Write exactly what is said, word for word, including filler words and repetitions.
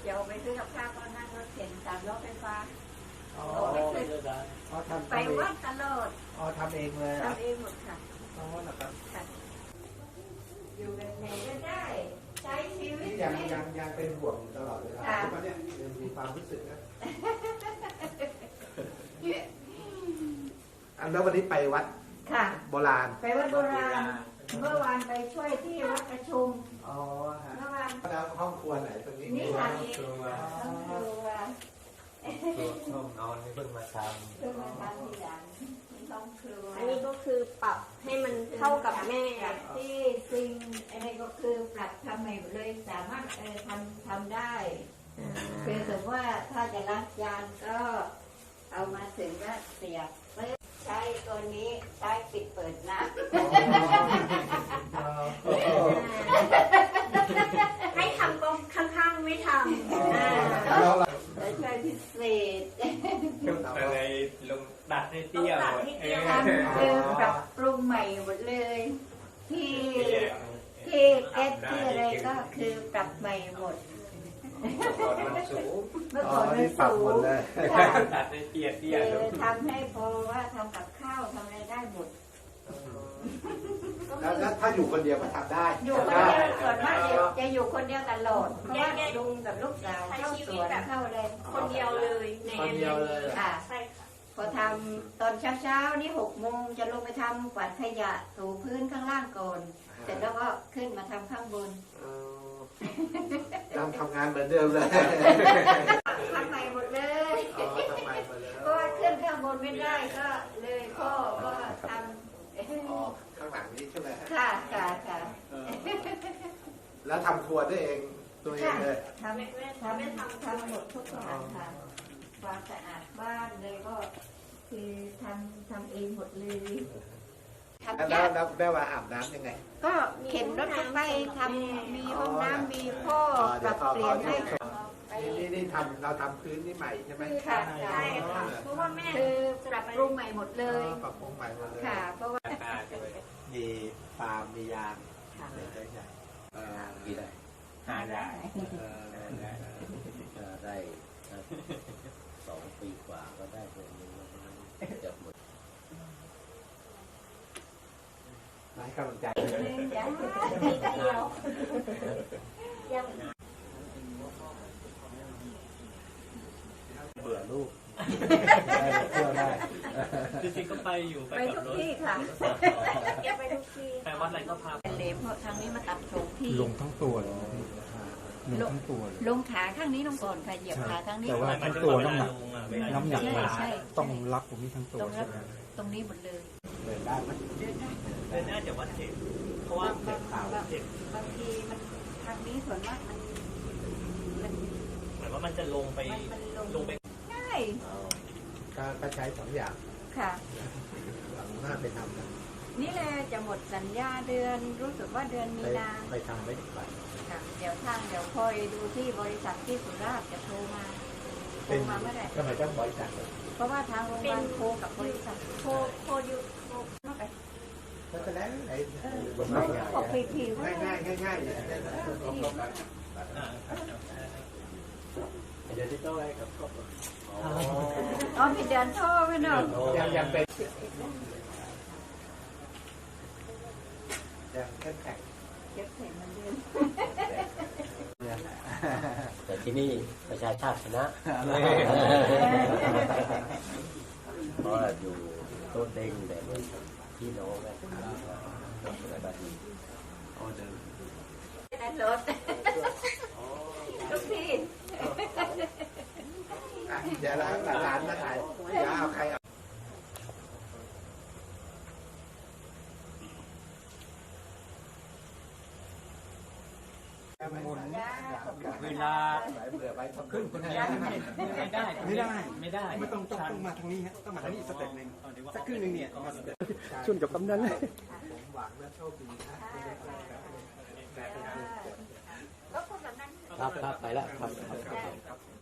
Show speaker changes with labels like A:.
A: จะออกไปซื้อกับข้าวก็นั่งรถเข็นสามล้อไฟฟ้า
B: อ๋อ
A: ไม่เคย
B: อ๋อทำ
A: ไปวัดตลอด
B: อ๋อทำเองเลย
A: ทำเองหมดค่ะ
B: อ๋อนะครับ
A: ค่ะอยู่แบบไหนก็ได้ใช้ชีวิต
B: ยังยังยังเป็นห่วงตลอดเวลาทุกวันเนี่ยยังมีความรู้สึกนะอันแล้ววันนี้ไปวัด
A: ค่ะ
B: โบราณ
A: ไปวัดโบราณเมื่อวานไปช่วยที่วัดประชุม
B: อ๋อฮะ
A: เมื่อวาน
B: แล้วห้องครัวไหนตรงนี้
A: นี่ค่ะ
C: ครัว
A: ต้องครัว
C: ตัวห้องนอนนี่เพิ่งมาท
A: เพิ่งมาทำทีหลังนี่ต้องครัว
D: อันนี้ก็คือปรับให้มันเท่ากับแม่
A: ปรับที่ซิงอันนี้ก็คือปรับทำใหม่หมดเลยสามารถเออทำทำได้คือสมมติว่าถ้าจะล้างจานก็เอามาถึงก็เสียบปึ๊บใช้ตัวนี้ใช้ปิดเปิดน้ำ
D: ให้ทำก็ข้างๆไม่ทำอ่า
B: แล้วเรา
A: แล้วใช้พิเศษ
C: ำก็เลยลงดัดให้เตี้ยหมดเออ
A: ทำคือปรับปรุงใหม่หมดเลย ที่ที่แก๊สที่อะไรก็คือปรับใหม่หมด
C: ก่อนมันสูง
A: เมื่อ
B: อ๋อ
A: ก่อนมัน
B: นี่ปรับ
A: สู
B: หม
A: ง
B: ดเลย
A: ค่ะ
C: ดัดให้เตี้ยเตี้ย
A: คื
C: ล
A: อง ทำให้พอว่าทำกับข้าวทำอะไรได้หมด
B: แล้วแล้วถ้าอยู่คนเดียวก็ทำได้
A: อยู่คนเดียวส่วนมากจะอยู่คนเดียวตลอดเพราะว่าลุงกับลูกสาวเข้าสวนเข้าอะไร
D: คนเดียวเลยใน
B: คนเดียวเลย
A: ค่ะ
D: ใช่ค่ะ
A: พอทำตอนเช้าๆนี่หกโมงจะลงไปทำกวาดขยะถูพื้นข้างล่างก่อน เสร็จแล้วก็ขึ้นมาทำข้างบน
B: อ๋อยังทำงานเหมือนเดิมเลย
A: ทำใหม่หมดเลย
B: อ๋อทำไมมาแล้ว
A: เพราะว่าขึ้นข้างบนไม่ได้ก็เลยพ่อก็ทำ
B: อ๋อข้างหลังนี้ใช่ไหมฮะ
A: ค่ะค่ะค่ะ
B: เออแล้วทำครัวได้เองตัวเองเลย
A: ทำทำทำทำหมดทุกอย่างค่ะความสะอาดบ้านเลยก็ คือทำทำเองหมดเลยทำ
B: แล้ว
A: ยาก
B: แล้วแม่ว่าอาบน้ำยังไง
A: ก็เข็นรถไปทำมีห้องน้ำมีพ่อปรับเปลี่ยนให้ไป
B: นี่นี่นี่ทำเราทำพื้นนี่ใหม่ใช่ไหม
A: ค่ะ
D: ใช่ค่ะเพราะว่าแม่
A: คือปรับปรุงใหม่หมดเลย
B: อ๋อปรับปรุงใหม่หมดเลย
A: ค่ะ เพราะว่า
C: ตาด้วย
B: มีฟาร์มมียาง
A: ค่ะ
B: ใหญ่ใหญ่เอ่อ
E: กี่ได้
C: หาได้
B: เอ่อ
E: ก็ได้สองปีกว่าก็ได้ตัวนี้แล้วจะหมด
B: ให้กำลังใจ
A: ยัง
D: นิดเดียวยัง
E: เบื่อลูก
B: ได้เที่ยวได้
C: จริงๆก็ไปอยู่ไป
A: ไป
C: กั
A: ทุ
C: บ
A: ก
C: รถ
A: ที่ค่ะ
D: เก็บไปทุกที่
C: ไปวัดอะไรก็พา
A: เป็นเหลมเพราะทางนี้มาตัดสองที่
F: ลงทั้งตัวเลยลงทั้งตัวเลย
A: ลงขาข้างนี้ลงก่อนค่ะเหยียบขาข้างนี้
F: แต่ว่า
C: ไป
F: ทั้งตัวน้ำหนัก
C: ลงอ่ะเวลา
F: น้ำหนัก
A: ใช่
F: มัน
A: ใช่
F: ต้องรับตรงนี้ทั้งตัว
A: ตรง
F: ใช่
A: นั้น
F: ไหม
A: ตรงนี้หมดเลย
B: เดินได้ไหม
A: เดินได้
C: เดินหน้าจากวัดเจ็ดเพราะว่า
A: บางบางบางบางทีมันทางนี้ส่วนมากมันมัน
C: เหมือนว่ามันจะลงไป
A: มันมันลง
C: ลงไป
A: ง่าย
B: ก็ก็ใช้สองอย่าง
A: ค่ะ
B: หลังหน้าไปทำนะ
A: นี่แหละจะหมดสัญญาเดือนรู้สึกว่าเดือนมี
B: ไป
A: นา
B: ไปทำไม่ได้ไป
A: ค่ะเดี๋ยวทางเดี๋ยวคอยดูที่บริษัทที่สุราษฎร์จะโทรมาโทร
B: เป็น
A: มาเมื่อไหร่
B: ทำไมต้องบริจาคเลย
A: เพราะว่าทางโรงพยาบาลโทรกับบริษัท
D: โคโคอยู่โค
A: มาไป
B: ก็จะแล้วไหน
A: เออไม่จะบอกไปทีว่า
B: ง่ายง่ายง่ายง่ายเลย
E: เดี๋ยวที่ต้องให้กับครอบครัว
A: อ๋อมีเดือนโทรไหมเนาะ
B: ยังยังเป็นยังแข็งแข็ง
A: เก็บเห็นมันเดือน
E: แต่ที่นี่ประชาชาติชนะ เพราะว่าอยู่โต้นเด้งแต่เหมือนพี่น้องกันอะไรแบบนี้
A: ได้รถทุกที่
B: เดี๋ยวร้านร้านนะขายเดี๋ยวเอาใครเอา
F: หมุน
C: เวลา
B: เบื่อไว้ทำ
C: ขึ้นคนเดียวไม่ได้
F: ไม่ได้
C: ไม่ได้
F: ไม่ต้องต้องต้องมาทางนี้ฮะต้องมาทางนี้อีกสเต็ปหนึ่ง
C: เอาดีว่า
F: สักครึ่งหนึ่งเนี่ยมาสเต็ปชวนกับกำนันเลย
B: ผมหวังและโชคดีนะ
A: ก็คนแบบนั้น
E: ครับครับไปแล้วครับ
A: ได้